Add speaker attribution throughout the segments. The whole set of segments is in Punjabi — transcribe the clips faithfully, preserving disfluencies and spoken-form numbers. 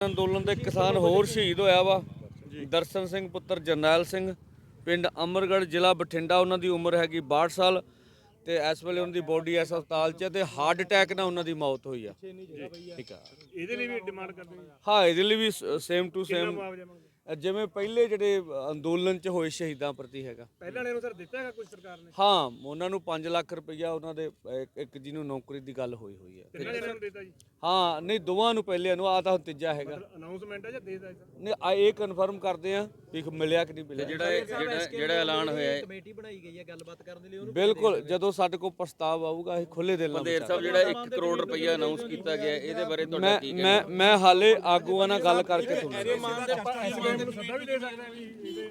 Speaker 1: ਅੰਦੋਲਨ ਦੇ ਕਿਸਾਨ ਹੋਰ ਸ਼ਹੀਦ ਹੋਇਆ ਵਾ ਦਰਸ਼ਨ ਸਿੰਘ ਪੁੱਤਰ ਜਰਨੈਲ ਸਿੰਘ ਪਿੰਡ ਅਮਰਗੜ੍ਹ ਜ਼ਿਲ੍ਹਾ ਬਠਿੰਡਾ। ਉਹਨਾਂ ਦੀ ਉਮਰ ਹੈਗੀ ਬਾਹਠ ਸਾਲ ਤੇ ਇਸ ਵੇਲੇ ਉਹਨਾਂ ਦੀ ਬੋਡੀ ਇਸ ਹਸਪਤਾਲ 'ਚ ਤੇ ਹਾਰਟ ਅਟੈਕ ਨਾਲ ਉਹਨਾਂ ਦੀ ਮੌਤ ਹੋਈ ਆ। ਠੀਕ ਆ,
Speaker 2: ਇਹਦੇ ਲਈ ਵੀ ਡਿਮਾਂਡ ਕਰਦੇ ਹਾਂ।
Speaker 1: ਹਾਂ ਇਹਦੇ ਲਈ ਵੀ ਸੇਮ ਟੂ ਸੇਮ ਜਿਵੇਂ ਪਹਿਲੇ ਜਿਹੜੇ ਅੰਦੋਲਨ 'ਚ ਹੋਏ ਸ਼ਹੀਦਾਂ ਪ੍ਰਤੀ ਹੈਗਾ।
Speaker 2: ਪਹਿਲਾਂ ਨੇ ਸਰ ਦਿੱਤਾ ਹੈਗਾ ਕੁਝ ਸਰਕਾਰ ਨੇ?
Speaker 1: ਹਾਂ ਉਹਨਾਂ ਨੂੰ ਪੰਜ ਲੱਖ ਰੁਪਈਆ ਉਹਨਾਂ ਦੇ ਇੱਕ ਜਿਹਨੂੰ ਨੌਕਰੀ ਦੀ ਗੱਲ ਹੋਈ ਹੋਈ ਹੈ।
Speaker 2: ਕਿੰਨਾ ਜਣਿਆਂ ਨੂੰ ਦਿੱਤਾ ਜੀ?
Speaker 1: ਹਾਂ ਨਹੀਂ ਦੋਵਾਂ ਨੂੰ ਪਹਿਲਿਆਂ ਨੂੰ ਆ ਤਾਂ ਹੁਣ ਤੀਜਾ ਹੈਗਾ।
Speaker 2: ਅਨਾਉਂਸਮੈਂਟ ਹੈ ਜਾਂ ਦੇ ਦਿੱਤਾ?
Speaker 1: ਨਹੀਂ ਆ ਇਹ ਕਨਫਰਮ ਕਰਦੇ ਆ ਵੀ ਮਿਲਿਆ ਕਿ ਨਹੀਂ ਮਿਲਿਆ।
Speaker 3: ਜਿਹੜਾ ਜਿਹੜਾ ਜਿਹੜਾ ਐਲਾਨ ਹੋਇਆ ਹੈ
Speaker 4: ਕਮੇਟੀ ਬਣਾਈ ਗਈ ਹੈ ਗੱਲਬਾਤ ਕਰਨ ਦੇ ਲਈ, ਉਹਨੂੰ
Speaker 1: ਬਿਲਕੁਲ ਜਦੋਂ ਸਾਡੇ ਕੋਲ ਪ੍ਰਸਤਾਵ ਆਊਗਾ ਇਹ ਖੁੱਲੇ ਦਿਲ ਨਾਲ
Speaker 3: ਪੰਦੇਰ ਸਾਹਿਬ ਜਿਹੜਾ ਇੱਕ ਕਰੋੜ ਰੁਪਈਆ ਅਨਾਉਂਸ ਕੀਤਾ ਗਿਆ ਇਹਦੇ ਬਾਰੇ ਤੁਹਾਡਾ
Speaker 1: ਮੈਂ
Speaker 3: ਕੀ
Speaker 1: ਮੈਂ ਮੈਂ ਹਾਲੇ ਆਗੂਆਂ ਨਾਲ ਗੱਲ ਕਰਕੇ ਤੁਹਾਨੂੰ
Speaker 2: ਸੱਦਾ ਵੀ ਦੇ ਸਕਦੇ ਆ ਵੀ ਇਹਦੇ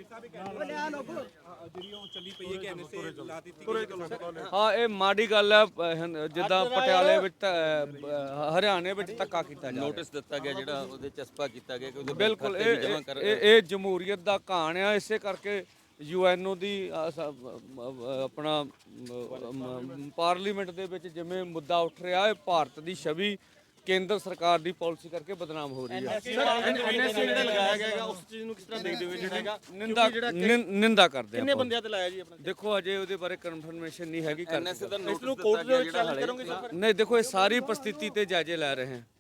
Speaker 2: ਇੱਧਰ
Speaker 1: ਹਾਂ ਇਹ ਮਾੜੀ ਗੱਲ ਹੈ। ਅਹ, ਜਿੱਦਾਂ ਪਟਿਆਲੇ ਵਿੱਚ ਤਾਂ, ਅਹ, ਹਰਿਆਣੇ ਵਿੱਚ ਧੱਕਾ ਕੀਤਾ ਜਾ ਰਿਹਾ।
Speaker 3: ਨੋਟਿਸ ਦਿੱਤਾ ਗਿਆ ਜਿਹੜਾ ਉਹਦੇ ਚਸਪਾ ਕੀਤਾ ਗਿਆ ਕਿ ਉਹਦੇ
Speaker 1: ਬਿਲਕੁਲ
Speaker 3: ਖਾਤੇ ਵੀ
Speaker 1: ਇਹ
Speaker 3: ਜਮ੍ਹਾਂ ਕਰ
Speaker 1: ਇਹ ਇਹ ਜਮਹੂਰੀਅਤ ਦਾ ਕਹਾਣ ਆ। ਇਸੇ ਕਰਕੇ ਯੂ ਐਨ ਓ ਦੀ ਅਹ, ਸ- ਅਹ, ਆਪਣਾ ਅਹ, ਪਾਰਲੀਮੈਂਟ ਦੇ ਵਿੱਚ ਜਿਵੇਂ ਮੁੱਦਾ ਉੱਠ ਰਿਹਾ ਹੈ, ਭਾਰਤ ਦੀ ਛਵੀ ਕੇਂਦਰ ਸਰਕਾਰ ਦੀ ਪਾਲਿਸੀ ਕਰਕੇ ਬਦਨਾਮ ਹੋ ਰਹੀ ਹੈ।
Speaker 5: ਐਨਐਸਏ ਜਿਹੜਾ ਲਗਾਇਆ ਗਿਆ ਹੈਗਾ ਉਸ ਚੀਜ਼ ਨੂੰ ਕਿਸ ਤਰ੍ਹਾਂ ਦੇਖਦੇ ਹੋ ਜਿਹੜਾ ਹੈਗਾ?
Speaker 1: ਨਿੰਦਾ ਨਿੰ- ਨਿੰਦਾ ਕਰਦੇ
Speaker 5: ਕਿੰਨੇ
Speaker 1: ਆ।
Speaker 5: ਬੰਦਿਆਂ ਤੇ ਲਾਇਆ ਜੀ ਆਪਣਾ?
Speaker 1: ਦੇਖੋ ਅਜੇ ਉਹਦੇ ਬਾਰੇ ਕਨਫਰਮੇਸ਼ਨ ਨਹੀਂ ਹੈਗੀ ਕਰ
Speaker 3: ਐਨਐਸਏ ਦਾ
Speaker 5: ਇਸ
Speaker 3: ਨੋਟਿਸ
Speaker 5: ਨੂੰ
Speaker 3: ਦਿੱਤਾ
Speaker 5: ਕੋਰਟ ਦੇ
Speaker 3: ਗਿਆ
Speaker 5: ਵਿੱਚ
Speaker 3: ਜਿਹੜਾ
Speaker 5: ਚੈਲੰਜ
Speaker 3: ਹਾਲੇ
Speaker 5: ਕਰੋਗੇ ਸਰ?
Speaker 1: ਨਹੀਂ ਦੇਖੋ ਇਹ ਸਾਰੀ ਪ੍ਰਸਥਿਤੀ ਤੇ ਜਾਇਜ਼ੇ ਲੈ ਰਹੇ ਹਾਂ।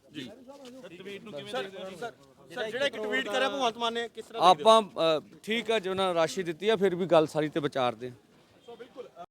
Speaker 5: ਸਰ ਜਿਹੜਾ ਇੱਕ ਟਵੀਟ ਕਰਿਆ ਭਗਵੰਤ ਮਾਨ ਨੇ, ਕਿਸ ਤਰ੍ਹਾਂ
Speaker 1: ਆਪਾਂ ਅ, ਠੀਕ ਆ ਜੋ ਉਹਨਾਂ ਰਾਸ਼ੀ ਦਿੱਤੀ ਆ ਫਿਰ ਵੀ ਗੱਲ ਸਾਰੀ ਤੇ ਵਿਚਾਰਦੇ ਆ।